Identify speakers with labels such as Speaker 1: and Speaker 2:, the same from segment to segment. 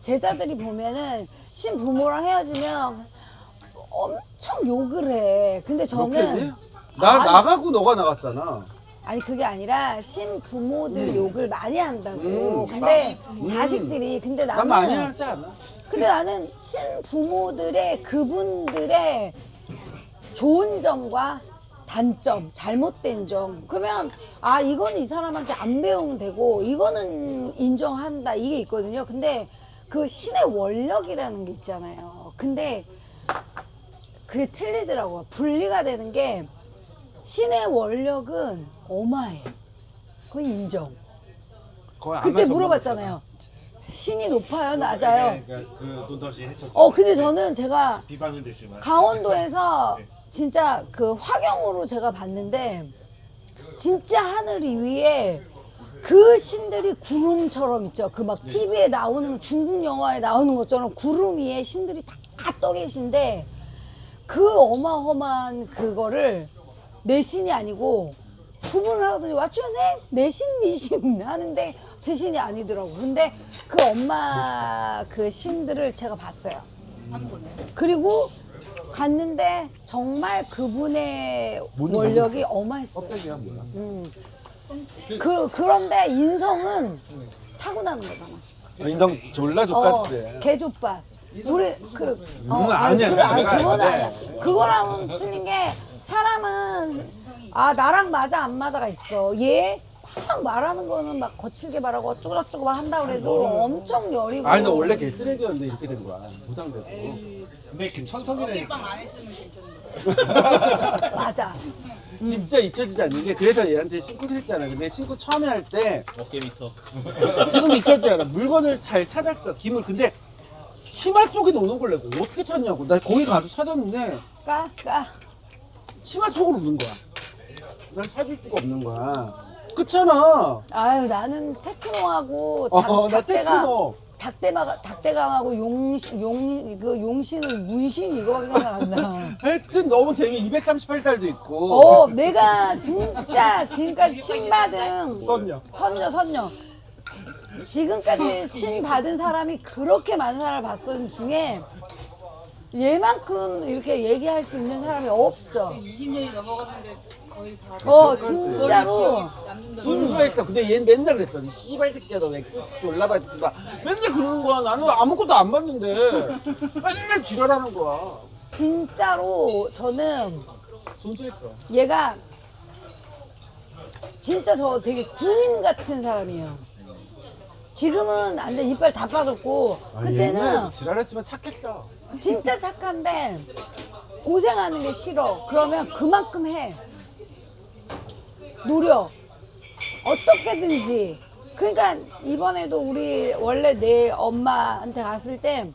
Speaker 1: 제자들이 보면은 신부모랑 헤어지면 엄청 욕을 해. 근데 저는
Speaker 2: 나가고 너가 나갔잖아.
Speaker 1: 아니 그게 아니라 신부모들 욕을 많이 한다고. 근데 자식들이 근데
Speaker 2: 난 많이
Speaker 1: 나는
Speaker 2: 하지 않아.
Speaker 1: 근데 나는 신부모들의 그분들의 좋은 점과 단점, 잘못된 점. 그러면 아 이거는 이 사람한테 안 배우면 되고 이거는 인정한다 이게 있거든요. 근데 그 신의 원력이라는 게 있잖아요. 근데 그게 틀리더라고요. 분리가 되는 게 신의 원력은 어마해. 그건 인정. 그때 물어봤잖아요. 신이 높아요, 낮아요?
Speaker 3: 그러니까 그 논다시 했었어.
Speaker 1: 근데 저는 제가
Speaker 3: 비방은 됐지만
Speaker 1: 강원도에서 진짜 그 화경으로 제가 봤는데 진짜 하늘 위에 그 신들이 구름처럼 있죠. 그 막 TV에 나오는 중국 영화에 나오는 것처럼 구름 위에 신들이 다 떠 계신데 그 어마어마한 그거를 내 신이 아니고 구분을 하더니 What's your name? 내 신, 네 신 하는데 제 신이 아니더라고. 근데 그 엄마 그 신들을 제가 봤어요. 그리고 갔는데 정말 그분의 원력이 어마했어요.
Speaker 2: 껍데기야 뭐야?
Speaker 1: 그런데 인성은 타고나는 거잖아.
Speaker 2: 인성 졸라 족같지.
Speaker 1: 개족밥. 우리
Speaker 2: 아니야.
Speaker 1: 그건 아니야. 그거랑은 틀린 게 사람은 나랑 맞아 안 맞아가 있어. 얘 막 말하는 거는 막 거칠게 말하고 어쩌고저쩌고 막 한다 그래도 엄청 여리고.
Speaker 2: 아니 너 원래 개쓰레기였는데 이렇게 된 거야. 무당되고.
Speaker 3: 근데 그 천성이라니까.
Speaker 4: 빵 안 했으면 괜찮은데.
Speaker 1: 맞아.
Speaker 2: 진짜 잊혀지지 않는 게 그래서 얘한테 신고 했잖아. 근데 신고 처음에 할 때
Speaker 5: 어깨미터.
Speaker 2: 지금 잊혀지지 않아. 물건을 잘 찾았어. 김을. 근데 치마 속에 넣는 걸 내가 어떻게 찾냐고. 나 거기 가서 찾았는데
Speaker 1: 까.
Speaker 2: 치마 속으로 넣는 거야. 난 찾을 수가 없는 거야. 그렇잖아.
Speaker 1: 아유 나는 테크노하고
Speaker 2: 나 테크노.
Speaker 1: 닭대감하고 용신을 문신 이거밖에 생각 안 나.
Speaker 2: 하여튼 너무 재미 238달도 있고.
Speaker 1: 내가 진짜 지금까지 신 받은 선녀. 지금까지 신 받은 사람이 그렇게 많은 사람을 봤던 중에 얘만큼 이렇게 얘기할 수 있는 사람이 없어.
Speaker 4: 20년이 넘어갔는데 거의 다.
Speaker 1: 진짜로.
Speaker 4: 남는다.
Speaker 2: 순수했어. 근데 얘는 맨날 그랬어. 이 씨발 새끼야 너 왜 졸라봤지 마. 맨날 그러는 거야. 나는 아무것도 안 봤는데 맨날 지랄하는 거야.
Speaker 1: 진짜로 저는
Speaker 2: 순수했어.
Speaker 1: 얘가 진짜 저 되게 군인 같은 사람이에요. 지금은 안 돼. 이빨 다 빠졌고 그때는
Speaker 2: 지랄했지만 착했어.
Speaker 1: 진짜 착한데 고생하는 게 싫어. 그러면 그만큼 해. 노력. 어떻게든지. 그러니까 이번에도 우리 원래 내 엄마한테 갔을 때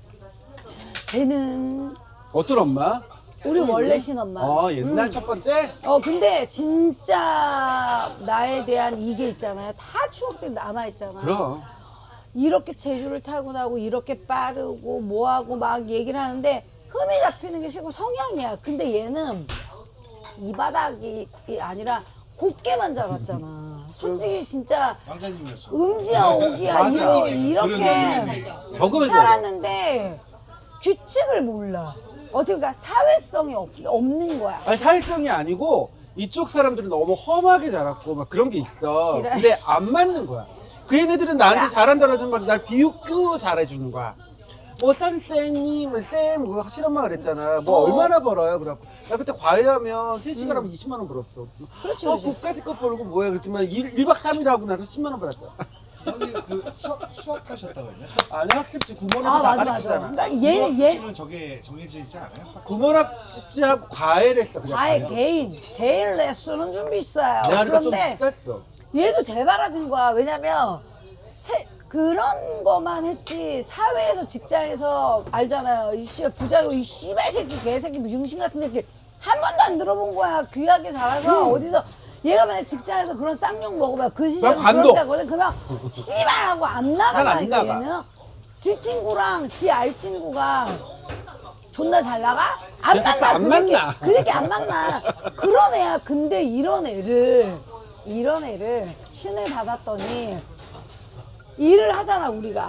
Speaker 1: 쟤는
Speaker 2: 어떤 엄마?
Speaker 1: 우리 원래 신엄마.
Speaker 2: 옛날 첫 번째?
Speaker 1: 근데 진짜 나에 대한 이게 있잖아요. 다 추억들이 남아있잖아.
Speaker 2: 그럼.
Speaker 1: 이렇게 재주를 타고나고 이렇게 빠르고 뭐하고 막 얘기를 하는데 흠이 잡히는 게 싫고 성향이야. 근데 얘는 이 바닥이 아니라 곱게만 자랐잖아. 솔직히 진짜
Speaker 3: 왕자님이었어.
Speaker 1: 음지야 오기야 이렇게
Speaker 2: 적응을
Speaker 1: 살았는데 규칙을 몰라. 어떻게 그러니까 사회성이 없는 거야.
Speaker 2: 아니 사회성이 아니고 이쪽 사람들은 너무 험하게 자랐고 막 그런 게 있어.
Speaker 1: 지랄.
Speaker 2: 근데 안 맞는 거야. 그 얘네들은 나한테
Speaker 1: 야.
Speaker 2: 잘한다고 하지만 막 날 비웃고 잘해주는 거야. 뭐 선생님, 뭐 쌤, 그거 실엄마 그랬잖아. 뭐 얼마나 벌어요? 그래갖고 나 그때 과외하면 3시간 하면 20만 원 벌었어.
Speaker 1: 그렇지, 그렇지.
Speaker 2: 그까짓 거 벌고 뭐야 그랬지만 1박 3일 하고 나서 10만 원 벌었어.
Speaker 3: 형님 그 수업하셨다고 했냐?
Speaker 2: 아니 학습지 구몬학습지
Speaker 1: 맞아.
Speaker 2: 가르치잖아.
Speaker 1: 그러니까 얘
Speaker 3: 수업은 저게 정해져 있지 않아요?
Speaker 2: 구몬학습지하고 과외를 했어. 그냥
Speaker 1: 아예
Speaker 2: 과외.
Speaker 1: 개인 레슨은 좀 비싸요.
Speaker 2: 내가 그러니까 좀
Speaker 1: 그런데
Speaker 2: 비쌌어.
Speaker 1: 얘도 대바라진 거야. 왜냐면 그런 거만 했지 사회에서 직장에서 알잖아요. 이 씨 부자고 이 씨발 새끼 개새끼 융신 같은 새끼 한 번도 안 들어본 거야. 귀하게 자라서 어디서 얘가 만약 직장에서 그런 쌍욕 먹으면 그 시절에
Speaker 2: 난 반도.
Speaker 1: 그런 때거든. 그러면 씨발 하고 안 나간다니까
Speaker 2: 난 안
Speaker 1: 얘는. 지 친구랑 지 알 친구가 존나 잘 나가? 안 만나.
Speaker 2: 안 만나.
Speaker 1: 그 새끼 안 만나. 그런 애야. 근데 이런 애를 신을 받았더니 일을 하잖아 우리가.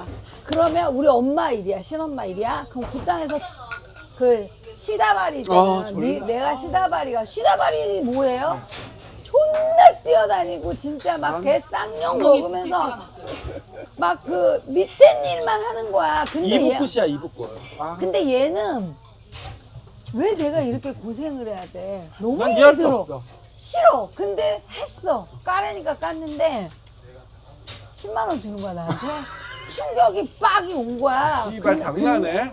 Speaker 1: 그러면 우리 엄마 일이야, 신엄마 일이야. 그럼 그 땅에서 그 시다발이잖아. 내가 시다발이 뭐예요? 존나 뛰어다니고 진짜 막 개 쌍욕 먹으면서 막 그 밑에 일만 하는 거야. 근데
Speaker 2: 이북굿이야 이북굿.
Speaker 1: 근데 얘는 왜 내가 이렇게 고생을 해야 돼? 너무
Speaker 2: 난 이해할 수
Speaker 1: 힘들어.
Speaker 2: 없어.
Speaker 1: 싫어. 근데 했어. 까라니까 깠는데 10만 원 주는 거야 나한테. 충격이 빡이 온 거야.
Speaker 2: 씨발 장난해?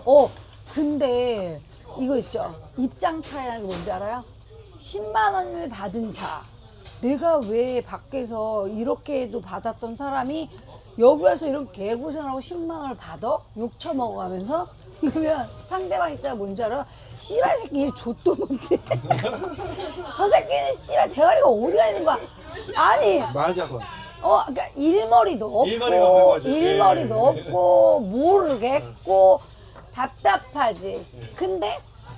Speaker 1: 근데 이거 있죠. 입장 차이라는 게 뭔지 알아요? 10만 원을 받은 차. 내가 왜 밖에서 이렇게도 받았던 사람이 여기 와서 이렇게 개고생을 하고 10만 원을 받아? 욕 처먹어가면서? 그러면 상대방 입장이 뭔지 알아? 씨발 새끼 일 좆도 못해. 저 새끼는 씨발 대가리가 어디가 있는 거야? 아니
Speaker 2: 맞아 그건.
Speaker 1: 그러니까 일머리도 없고
Speaker 3: 일머리가 없는 거지.
Speaker 1: 일머리도 없고 모르겠고 답답하지. 근데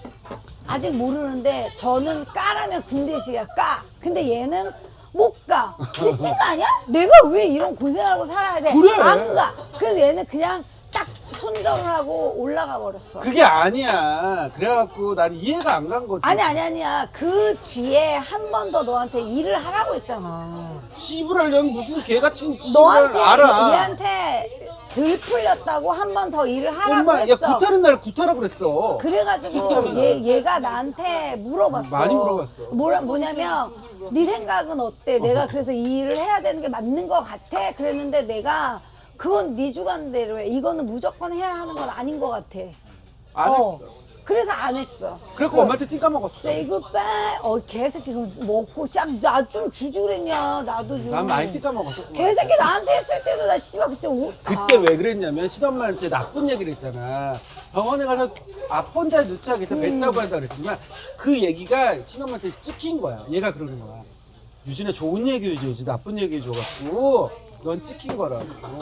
Speaker 1: 아직 모르는데 저는 까라면 군대식이야 까. 근데 얘는 못 가. 미친 거 아니야? 내가 왜 이런 고생하고 살아야 돼?
Speaker 2: 그래.
Speaker 1: 안 가. 그래서 얘는 그냥 딱 손절을 하고 올라가 버렸어.
Speaker 2: 그게 아니야. 그래갖고 난 이해가 안 간 거지.
Speaker 1: 아니야. 그 뒤에 한 번 더 너한테 일을 하라고 했잖아.
Speaker 2: 씨부랄려면 무슨 개같은 씨부랄
Speaker 1: 너한테
Speaker 2: 알아.
Speaker 1: 얘한테 들 풀렸다고 한 번 더 일을 하라고
Speaker 2: 엄마, 야
Speaker 1: 했어.
Speaker 2: 구타는 날 구타라고 그랬어.
Speaker 1: 그래가지고 얘가 나한테 물어봤어.
Speaker 2: 많이 물어봤어.
Speaker 1: 뭐냐면 네 생각은 어때? 내가 그래서 이 일을 해야 되는 게 맞는 것 같아? 그랬는데 내가 그건 네 주관대로 해. 이거는 무조건 해야 하는 건 아닌 것 같아.
Speaker 2: 안 했어.
Speaker 1: 그래서 안 했어.
Speaker 2: 그래갖고 엄마한테 띵까 먹었어.
Speaker 1: Say goodbye. 개새끼 그거 먹고 나 좀 주지 그랬냐. 나도 좀.
Speaker 2: 난 많이 띵까 먹었어.
Speaker 1: 개새끼 나한테 했을 때도 나 씨발 그때
Speaker 2: 그때 왜 그랬냐면 시엄마한테 나쁜 얘기를 했잖아. 병원에 가서 혼자 누추하게 해서 뱉다고 한다 그랬지만 그 얘기가 시엄마한테 찍힌 거야. 얘가 그러는 거야. 유진아 좋은 얘기 해줘야지 나쁜 얘기 해줘갖고 넌 찍힌 거라고.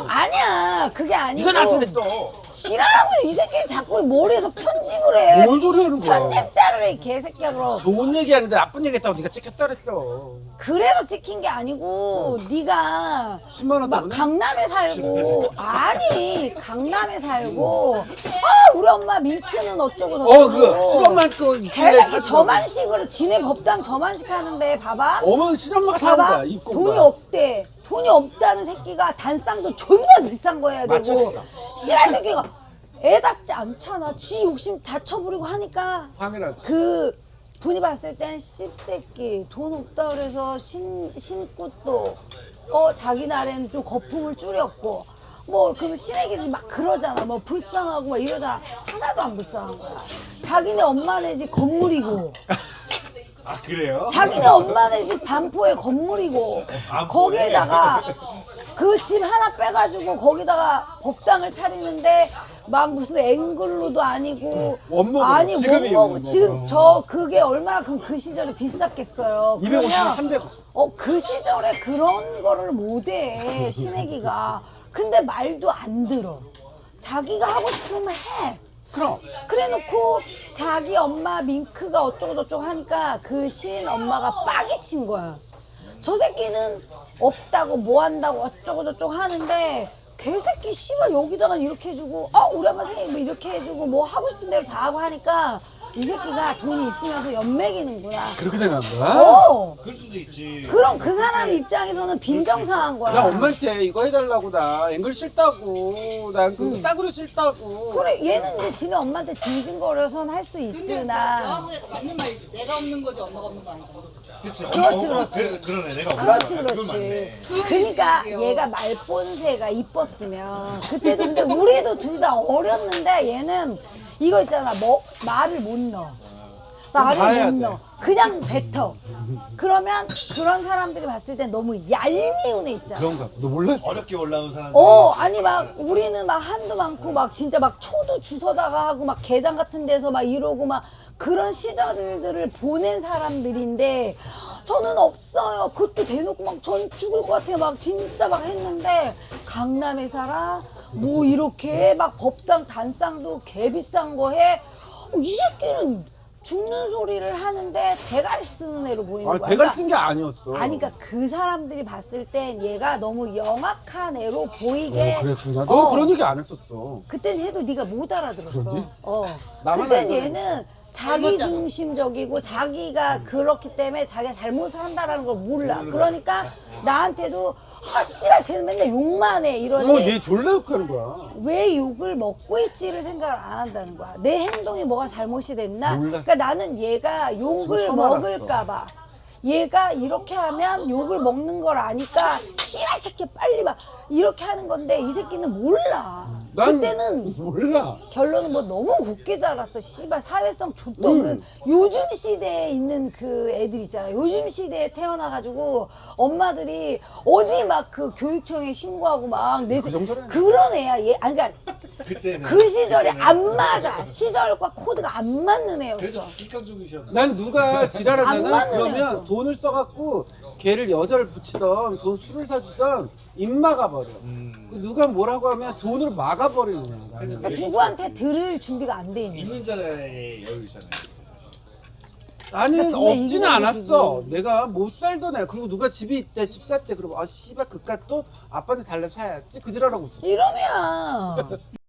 Speaker 1: 아니야 그게 아니고
Speaker 2: 네가 나한테 했어.
Speaker 1: 지랄하고 이 새끼 자꾸 머리에서 편집을 해.
Speaker 2: 뭔 소리 하는 거야.
Speaker 1: 편집자를 해, 이 개새끼야, 그럼.
Speaker 2: 좋은 얘기 하는데 나쁜 얘기 했다고 네가 찍혔다 그랬어.
Speaker 1: 그래서 찍힌 게 아니고, 네가
Speaker 2: 10만 원
Speaker 1: 막
Speaker 2: 때문에?
Speaker 1: 강남에 살고, 아니, 강남에 살고, 아, 우리 엄마 민키는 어쩌고 저쩌고.
Speaker 2: 그 시엄마 그
Speaker 1: 개새끼 저만식으로, 지네 법당 저만식 하는데, 봐봐.
Speaker 2: 어머니 시엄마가 사는
Speaker 1: 봐봐.
Speaker 2: 거야. 입고
Speaker 1: 돈이 없대. 돈이 없다는 새끼가 단쌍도 존나 비싼 거 해야 되고,
Speaker 2: 맞아.
Speaker 1: 씨발 새끼가 애답지 않잖아. 지 욕심 다 쳐부리고 하니까
Speaker 2: 당연하지.
Speaker 1: 그 분이 봤을 땐 씹새끼 돈 없다 그래서 신고 또 자기 날에는 좀 거품을 줄였고 뭐 그 신애기들이 막 그러잖아. 뭐 불쌍하고 막 이러잖아. 하나도 안 불쌍한 거야. 자기네 엄마네 집 건물이고
Speaker 3: 아 그래요?
Speaker 1: 자기네 엄마네 집 반포에 건물이고 거기에다가 그 집 하나 빼가지고 거기다가 법당을 차리는데 막 무슨 앵글로도 아니고
Speaker 2: 원목으로,
Speaker 1: 아니
Speaker 2: 지금이
Speaker 1: 원목
Speaker 2: 원목으로.
Speaker 1: 지금 저 그게 얼마나 그럼 그 시절에 비쌌겠어요.
Speaker 2: 250만
Speaker 1: 그러면
Speaker 2: 300.
Speaker 1: 그 시절에 그런 거를 못해 신애기가. 근데 말도 안 들어. 자기가 하고 싶으면 해.
Speaker 2: 그럼.
Speaker 1: 그래놓고 자기 엄마 밍크가 어쩌고 저쩌고 하니까 그 신 엄마가 빡이 친 거야. 저 새끼는 없다고 뭐 한다고 어쩌고 저쩌고 하는데 개새끼 씨발 여기다가 이렇게 해주고 우리 엄마 생일 뭐 이렇게 해주고 뭐 하고 싶은 대로 다 하고 하니까 이 새끼가 돈이 있으면서 연맥이는구나.
Speaker 2: 그렇게 생각한 거야?
Speaker 3: 그럴 수도 있지.
Speaker 1: 그럼 그 사람 입장에서는 빈정상한 거야.
Speaker 2: 나 엄마한테 이거 해달라고 나 앵글 싫다고 난 그 따구리 싫다고.
Speaker 1: 그래 얘는 이제 지네 엄마한테 징징거려서는 할 수
Speaker 4: 근데
Speaker 1: 있으나
Speaker 4: 정확하게 맞는 말이지. 내가 없는 거지 엄마가 없는 거 아니잖아.
Speaker 3: 그치.
Speaker 1: 그렇지.
Speaker 3: 그러네 내가
Speaker 1: 그렇지
Speaker 3: 그건
Speaker 1: 그렇지.
Speaker 3: 맞네.
Speaker 1: 그러니까 얘가 말본새가 이뻤으면 그때도 근데 우리도 둘 다 어렸는데 얘는 이거 있잖아 뭐 말을 못 넣어.
Speaker 2: 봐야
Speaker 1: 말을 못
Speaker 2: 돼.
Speaker 1: 넣어. 그냥 뱉어. 그러면 그런 사람들이 봤을 때 너무 얄미운 애 있잖아.
Speaker 2: 그런가? 너 몰랐어?
Speaker 3: 어렵게 올라온 사람들.
Speaker 1: 아니 막 우리는 막 한도 많고 막 진짜 막 초도 주워다가 하고 막 게장 같은 데서 막 이러고 막 그런 시절들을 보낸 사람들인데 저는 없어요. 그것도 대놓고 막 전 죽을 것 같아요. 막 진짜 막 했는데 강남에 살아? 뭐 이렇게 막 법당 단쌍도 개 비싼 거 해? 이 새끼는 죽는 소리를 하는데 대가리 쓰는 애로 보이는
Speaker 2: 아,
Speaker 1: 거야.
Speaker 2: 대가리
Speaker 1: 그러니까
Speaker 2: 쓴 게 아니었어.
Speaker 1: 아니 그러니까 그 사람들이 봤을 땐 얘가 너무 영악한 애로 보이게
Speaker 2: 그랬구나. 너 그런 얘기 안 했었어.
Speaker 1: 그땐 해도 네가 못 알아들었어.
Speaker 2: 그러지?
Speaker 1: 그땐
Speaker 2: 나만 알거든.
Speaker 1: 얘는 자기 중심적이고 자기가 그렇기 때문에 자기가 잘못을 한다라는 걸 몰라. 그러니까 나한테도 아 씨발 쟤는 맨날 욕만 해 이러지.
Speaker 2: 얘 졸라 욕하는 거야.
Speaker 1: 왜 욕을 먹고 있지를 생각을 안 한다는 거야. 내 행동이 뭐가 잘못이 됐나?
Speaker 2: 몰라.
Speaker 1: 그러니까 나는 얘가 욕을
Speaker 2: 지금 처음
Speaker 1: 먹을까 봐. 얘가 이렇게 하면 욕을 먹는 걸 아니까 씨발 새끼 빨리 봐. 이렇게 하는 건데 이 새끼는 몰라.
Speaker 2: 난
Speaker 1: 그때는
Speaker 2: 몰라.
Speaker 1: 결론은 뭐 너무 곱게 자랐어. 씨발 사회성 좆도 없는 요즘 시대에 있는 그 애들 있잖아. 요즘 시대에 태어나가지고 엄마들이 어디 막 그 교육청에 신고하고 막
Speaker 2: 그 정도는
Speaker 1: 그런 애야. 얘 아니 그러니까
Speaker 3: 그때는
Speaker 1: 그 시절에
Speaker 3: 그때는
Speaker 1: 안 맞아. 시절과 코드가 안 맞는 애였어.
Speaker 3: 그래서 객관적이셨나?
Speaker 2: 난 누가
Speaker 1: 안
Speaker 2: 지랄하잖아.
Speaker 1: 맞는
Speaker 2: 그러면
Speaker 1: 애였어.
Speaker 2: 돈을 써갖고 걔를 여자를 붙이던 돈 술을 사주던 입 막아버려. 누가 뭐라고 하면 돈으로 막아버리는 거야. 나는.
Speaker 1: 그러니까 누구한테 들을 준비가 안 돼 있는 거야.
Speaker 3: 있는 자의 여유잖아요.
Speaker 2: 나는
Speaker 1: 그러니까 정말
Speaker 2: 없지는
Speaker 1: 이기적이지.
Speaker 2: 않았어. 내가 못 살던 애. 그리고 누가 집이 있대, 집 살 때 그러면 아 씨발 그깟 또 아빠한테 달래 사야지. 그 지랄하고 있어.
Speaker 1: 이러면